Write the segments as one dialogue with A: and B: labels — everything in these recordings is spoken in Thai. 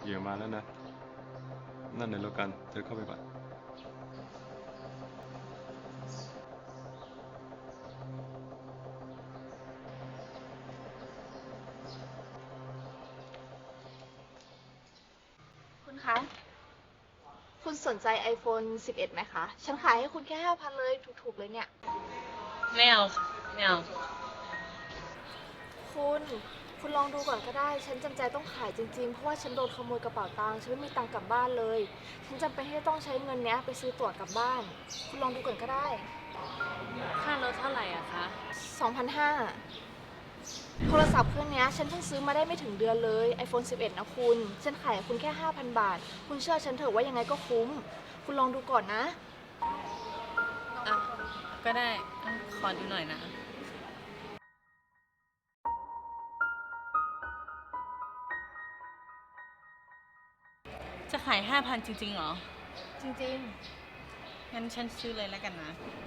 A: เหยื่อมาแล้วนะนั่นในโลกันเธอเข้าไปก่อน
B: คุณคะ คุณสนใจ iPhone 11ไหมคะ ฉันขายให้คุณแค่5,000เลยถูกๆเลยเนี่ย
C: ไม่เอาค่ะไม่เอา
B: คุณลองดูก่อนก็ได้ ฉันจำใจต้องขายจริงๆ เพราะว่าฉันโดนขโมยกระเป๋าตังค์ ฉันไม่มีตังค์กลับบ้านเลย ฉันจำเป็นที่จะต้องใช้เงินเนี้ยไปซื้อตั๋วกลับบ้าน คุณลองดูก่อนก็ได้
C: ค่ารถเท่าไหร่อะคะ
B: 2,500โทรศัพท์เครื่องนี้ฉันเพิ่งซื้อมาได้ไม่ถึงเดือนเลย iPhone 11นะคุณ ฉันขายให้คุณแค่ 5,000 บาท คุณเชื่อฉันเถอะว่ายังไงก็คุ้ม คุณลองดูก่อนนะ
C: อ่ะ ก็ได้ขอดูหน่อยนะ จะขาย5,000จริงๆเหรอ
B: จริง
C: งั้นฉันซื้อเลยแล้วกันนะ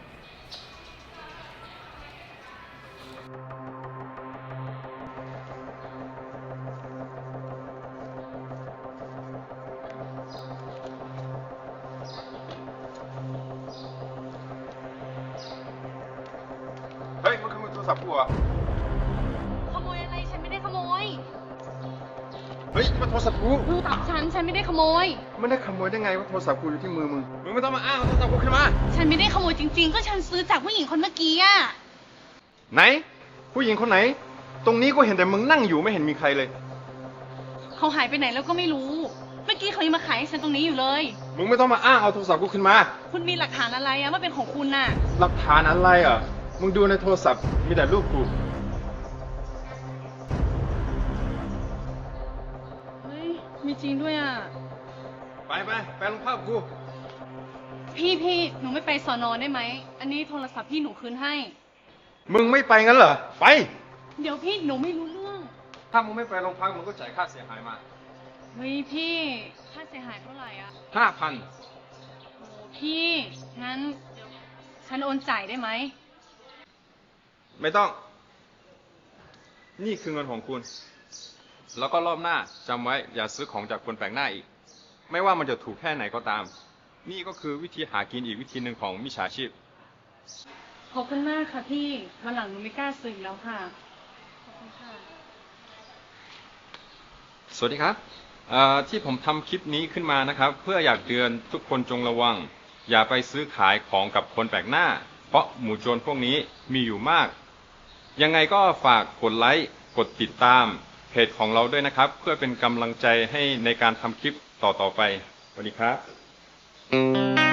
A: เฮ้ยมันขโมยโทรศัพท์กูเหรอ
C: ขโมยอะไร ฉันไม่ได้ขโมย
A: เฮ้ยมันโทรศัพท์กู
C: โทรศัพท์ฉันไม่ได้ขโมย
A: ไม่ได้ขโมยได้ไงว่าโทรศัพท์กูอยู่ที่มือมึงไม่ต้องมาอ้างเอาโทรศัพท์กูขึ้นมา
C: ฉันไม่ได้ขโมยจริงๆ ก็ฉันซื้อจากผู้หญิงคนเมื่อกี้อะ
A: ไหน ผู้หญิงคนไหน ตรงนี้ก็เห็นแต่มึงนั่งอยู่ไม่เห็นมีใครเลย
C: เขาหายไปไหนแล้วก็ไม่รู้ เมื่อกี้เขายังมาขายให้ฉันตรงนี้อยู่เลย
A: มึงไม่ต้องมาอ้างเอาโทรศัพท์กูขึ้นมา
C: คุณมีหลักฐานอะไรอะว่าเป็นของคุณน่ะ
A: หลักฐานอะไรอ่ะ มึงดูในโทรศัพท์มีแต่รูปกู
C: เฮ้ย มีจริงด้วยอะ
A: ไปลงภาพกู
C: พี่หนูไม่ไปสอนอได้ไหม อันนี้โทรศัพท์พี่หนูคืนให้
A: มึงไม่ไปงั้นเหรอ ไป
C: เดี๋ยวพี่หนูไม่รู้เรื่อง
A: ถ้ามึงไม่ไปโรงพักมึงก็จ่ายค่าเสียหายมา
C: เฮ้ยพี่ ค่าเสียหายเท่าไหร่อะ
A: 5,000
C: โอ้พี่ งั้นเดี๋ยวฉันโอนจ่ายได้ไหม
A: ไม่ต้อง นี่คือเงินของคุณ แล้วก็รอบหน้าจำไว้อย่าซื้อของจากคนแปลกหน้าอีก ไม่ว่ามันจะถูกแค่ไหนก็ตาม นี่ก็คือวิธีหากินอีกวิธีหนึ่งของมิจฉาชีพ
C: ขอบคุณมากค่ะพี่วันหลังหนูไม่กล้าซื้ออีกแล้วค่ะ ขอบคุณค่ะ
A: สวัสดีครับที่ผมทำคลิปนี้ขึ้นมานะครับ เพื่ออยากเตือนทุกคนจงระวัง อย่าไปซื้อขายของกับคนแปลกหน้า เพราะหมู่โจรพวกนี้มีอยู่มาก ยังไงก็ฝากกดไลค์กดติดตามเพจของเราด้วยนะครับ เพื่อเป็นกำลังใจให้ในการทำคลิปต่อๆไปสวัสดีครับ